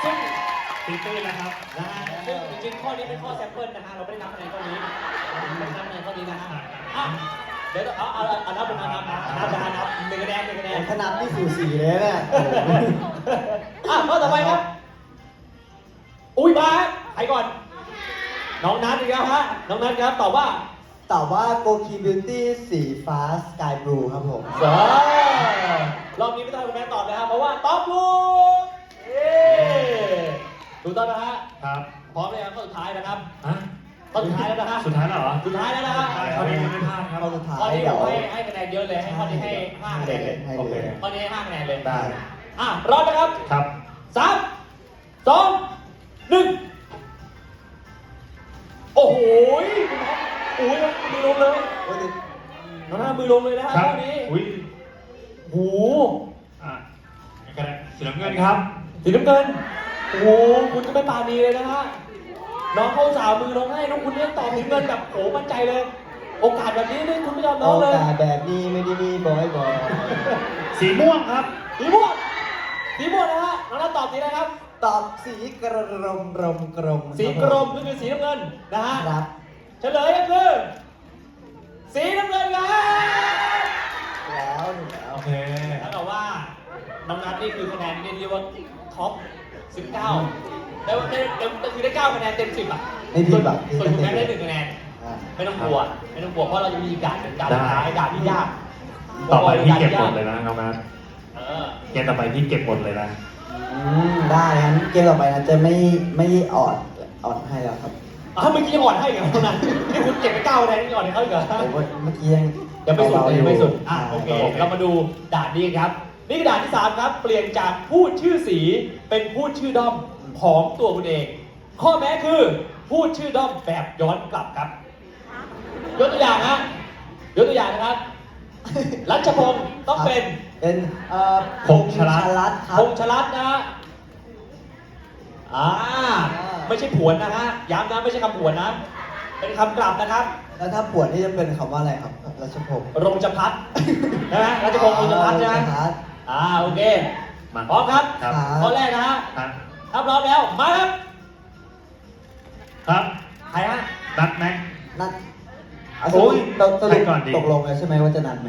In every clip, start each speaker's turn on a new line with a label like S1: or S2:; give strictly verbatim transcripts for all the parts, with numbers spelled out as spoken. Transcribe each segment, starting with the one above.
S1: ซึ่ง
S2: ตีตื้นนะครับ
S1: นะฮะซึ่งจริงๆข้อนี้เป็นข้อแซมเปิลนะฮะเราไม่ได้นับคะแนนข้อนี้ไม่ได้นับคะแนนข้อนี้นะฮะอ่ะเดี๋ยวเอาเอาเอานับเป็นนับนับนับนับนับนับหนึ่งคะแนนหนึ่งคะแนน
S3: ขนาดที่สูสีเลยเนี่ย
S1: อ่ะข้อต่อไปครับอุ้ยมาฮะใครก่อนน้องนัทอีกแล้วฮะน้องนัทครับตอบว่า
S3: ตอบว่าโกคีบิวตี้สีฟ้าสกายบลูครับผม
S1: เออรอบนี้ไม่ต้องให้คุณแม่ตอบนะครับเพราะว่าตอบถูกเย้ถูกต้องนะฮะ
S2: ครับ
S1: พร้อมเลยครับข้อสุดท้ายนะครับ
S2: อ่ะ
S1: ข้อสุดท้ายแล้วนะฮะ
S2: สุดท้ายแล้วเหรอ
S1: สุดท้ายแล้วนะฮะ
S2: ข้อนี้ยังไม่พลาดครับ
S3: ข้อสุดท้าย
S1: ข้อนี้ผ
S3: เดี๋ย
S1: ม
S3: ว
S1: ให้ให้คะแนนเยอะเลยให้ข้อนี้ให้ห้าคะแนนเลย
S3: ให้
S2: โอเค
S3: เลย
S1: ข้อนี้ให้ห้าคะแนนเลย
S2: ได้
S1: อ่ะพร้อมนะครับ
S2: ครับ
S1: สามสองหนึ่งโอ้โหคุณท็อปโอ้ยมือลงเลย
S3: โอ้ย
S1: น้องหน้ามือลงเลยนะฮะ
S2: ครับ
S1: ข้อนี้
S2: อุ้ย
S1: โอ้โห
S2: อ่ะกระดาษสีน้ำเงินครับ
S1: สีน้ำเงินโอ้โหคุณจะไม่ปานีเลยนะฮะน้องเขาสาวมือลงให้น้องคุณเนี่ยตอบสีน้ำเงินแบบโหมั่นใจเลย โอกาสแบบนี้นี่คุณไม่ยอมน้
S3: โอ
S1: องเลย
S3: กาสแบบนี้ไม่ได้มีบ่อยบ่อย
S2: สีม่วงครับ
S1: สีม่วงสีม่วงนะฮะน้องหน้าตอบสีอะไรครับ
S3: ตอบสีกระรมรมกรม
S1: สีกรมก็คือสีน้ำเงินนะฮะ
S3: ครับ
S1: เฉลยก็คือสีน้ำเงินครับ
S3: แล้วหนึ่งแล้ว
S2: โอเค
S1: แล้วแต่ว่าน้องนัทนี่คือคะแนนเรียกว่าท็อปสิบเก้าได้ว่าได้ได้คือได้เก้าคะแนนเต็มสิบอ่ะ
S3: ไม่ผิดแบบ
S1: ส่วนคุณแม่ได้หนึ่งคะแนน
S3: อ่า
S1: ไม่ต้องกลัวไม่ต้องกลัวเพราะเราจะมีด่านเป็นด่านสุดท้ายด่านที่ยาก
S2: ต่อไปพี่เก็บหมดเลยนะน้องนัท
S1: เออ
S2: เกมต่อไปพี่เก็บหมดเลยนะ
S3: อืมได้งั้นเกมต่อไปนะจะไม่ไม่ออดออดให้แล้วครับ
S1: อ้าวเมื่อกี้ยังอ่อนให้อีกเหรอน้องนัทนี่คุณเก็บไปเก้าคะแนนนี่อ่อนให้เขาอีกเหรอ
S3: ผมว่าเมื่อกี้ยัง
S1: ยังไม่สุด
S3: เบาๆ
S1: ยังไม่สุด อ่ะ
S3: า
S1: โอเค
S3: ต่ไป
S1: เรามาดูด่านนี้ครับ นี่คือด่านที่สามครับ เปลี่ยนจากพูดชื่อสีเป็นพูดชื่อด้อมของตัวคุณเอง ข้อแม้คือพูดชื่อด้อมแบบย้อนกลับครับ ยกตัวอย่างนะยกตัวอย่างนะครับ รัชพงศ์ต้องเป็น
S3: เป็นเอ่อ
S2: พงษ์ชลัด
S3: พงษ์ดครับ
S1: พงษ์ชลัดนะฮะอ่า ไม่ใช่ผวนนะฮะ ย้ำนะไม่ใช่คำผวนนะ เป็นคำกลับนะครับ
S3: แล้วถ้าปวดนี่จะเป็นคำว่าอะไรครับรัชพงศ์
S1: รงจพัฒน์นะฮะรัชพงศ์รงจพัฒน์ใช่ไหม
S3: รงจพัฒน์
S1: อ่าโอเค
S2: มา
S1: พร้อมครับ
S2: ครับ
S1: ข้อแรกนะฮะ
S2: ครับ
S1: ถ้าพร้อมแล้วมาครับ
S2: ครับ
S1: ใครฮะ
S2: นัดแม็ก
S3: นัดอ่ะ
S2: โอ้ย
S3: ตกตก
S2: ใครก่อนดี
S3: ตกลงแล้วใช่ไหมว่าจะนัดไหม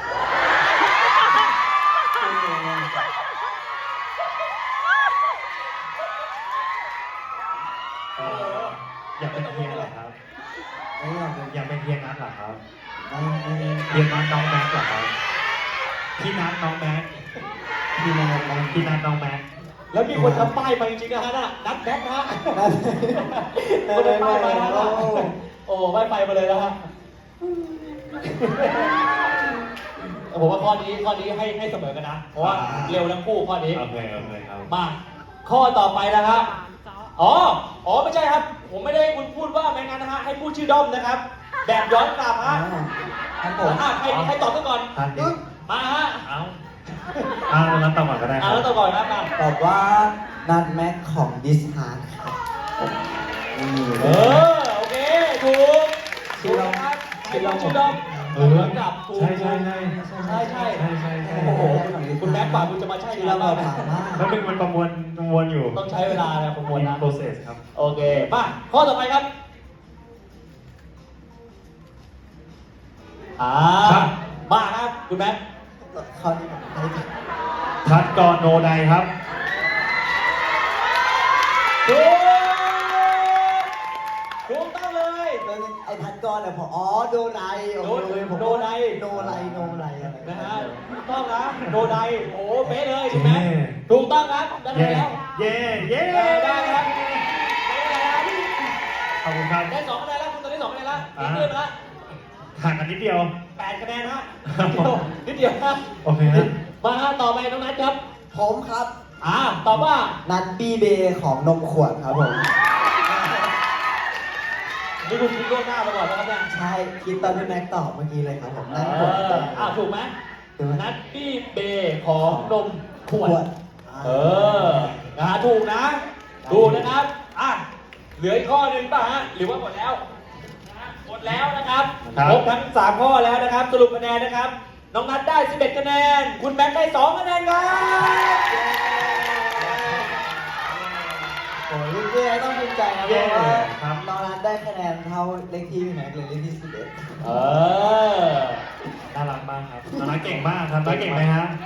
S2: เอ่ออยากเป็นเฮียเหรอครับ
S3: ไม่ยอมเป็น
S2: อยากเป็นเฮียนัทเหรอครับ
S3: ไม่ไม่ไม่
S2: เฮียนัทน้องแม็กเหรอครับพี่นัทน้องแม็ก
S3: พี่นัดนัด
S2: พี่นัทน้องแม็ก
S1: แล้วมีคนทำป้ายไปจริงๆนะฮะน่ะนัดแบ็คนะฮะ
S3: นัด
S1: คนทำป้ายไปนะฮะ
S3: โอ้
S1: โอ้ป้ายไปมาเลยนะฮะผมว่าข้อนี้ข้อนี้ให้ให้เสมอกันนะ เพราะว่าเร็วทั้งคู่ข้อนี้
S2: โอเคโอเคครับ
S1: มา ข้อต่อไปนะครับ อ๋อ อ๋อไม่ใช่ครับ ผมไม่ได้ให้คุณพูดว่าไม่งั้นนะฮะ ให้พูดชื่อด้อมนะครับ แบบย้อนกลับฮะ
S3: ครับผม
S1: อ่ะใครใครตอบก่อน
S2: ท่านนี้
S1: มาฮะ
S2: เอาเอาแล้วตอบก่อนก็ได้ค
S1: อ่ะ
S2: รับ
S1: แล้วตอบก่อนนะมา
S3: ตอบว่านัดแม็กของดิสฮาร์ดครับนี่
S1: เออ โอเค ถูกถูกนะครับให้พูดชื่อด้อม
S2: เออ
S1: ย้อนกลับถูก
S2: ใช่ใช่ใช่
S1: ใช่ใช่
S2: ใช่ใช่ใช่
S1: โอ้โห คุณแม็กซ์ป่าคุณจะมาใช่
S3: ที่
S1: งา
S3: เรา
S1: น
S3: มา
S1: บ้าง
S3: ถาม
S1: นะ
S3: ว่า
S2: แล้วเป็นมันประมวลประมวลอยู่
S1: ต้องใช้เวลานะประมวลนะ
S2: process ครับ
S1: โอเค มา ข้อต่อไปครับ อ่า
S2: ครับ
S1: มาครับ คุณแม็กซ์
S3: ข้อนี้ผมให้
S2: ทัดกรโนไดครับ
S1: ถูกถูกต้องเลย
S3: ไอ้ทัดกรเนี่ยผมอ๋อโดไนโอ้
S1: โด
S3: โหผม
S1: โดไน
S3: โดไลโดไลอะไร
S1: นะฮะถูกต้องนะโดไดโอ้โหเป๊ะเลยคุณแม็กซ์
S2: เย้
S1: ถูกต้องครับได้
S2: เย่
S1: แล้ว
S2: เย่เย่
S1: ได้ได้ครับได้แล้ว
S2: ขอบคุณครับ
S1: ได้สองคะแนนแล้วคุณตอนนี้สองคะแนนแล้ว
S2: อ่า
S1: นิดเดียวนะ
S2: ห่างกันนิดเดียว
S1: แปดคะแนนฮะนิดเดียวนิดเดียวนะ
S2: โอเคฮะ
S1: มาฮะต่อไปน้องนัทครับ
S3: ผมครับ
S1: อ่าตอบว่า
S3: นัดบีเบย์ของนมขวดครับผม
S1: นี่คุณคิดล่วงหน้ามาก่อนแล้วครับเนี่ย
S3: ใช่คิดตอนที่แม็กตอบเมื่อกี้เลยครับผม
S1: เอ
S3: นั่งขวด
S1: ออ่าถูกไหม
S3: ถูกไหม
S1: นัทปี้เบย์ของนมขว
S3: ขว
S1: ด
S3: ด
S1: เออนะฮะถูกนะ ถูกนะครับ อ่ะ เหลืออีกข้อหนึ่งป่ะฮะ หรือว่าหมดแล้วนะฮะหมดแล้วนะครับ
S2: ครับ
S1: ครบทั้งสามข้อแล้วนะครับ สรุปคะแนนนะครับ น้องนัทได้สิบเอ็ดคะแนน คุณแบงค์ได้สองคะแนนครับ
S3: ใจนะเพ
S2: เย้
S3: ราะว่า
S2: ครับ
S3: น้องนัทได้คะแนนเท่าเลขที่พี่แม็กเลยเลขที่สิบเอ็ด
S1: เออ
S2: น่ารักมากครับน้องนัทเก่งมากครับน้องเก่งไหมฮะ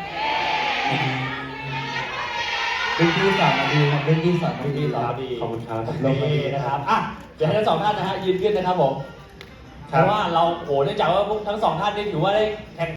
S3: เลขที่สอนมาดีครับเลขที่สอนมาดี
S1: สอน
S3: ค
S1: มา
S3: รับ
S1: ดี
S2: ขอบคุณครับ
S1: ลงมาดีนะครับอ่ะเดี๋ยวให้ทั้งสองท่านนะฮะยืนขึ้นนะครับผม
S2: ค
S1: เพ
S2: รับ
S1: ราะว่าเราโอ้เนื่องจากว่าพวกทั้งสองท่านนี่ถือว่าได้แข่ง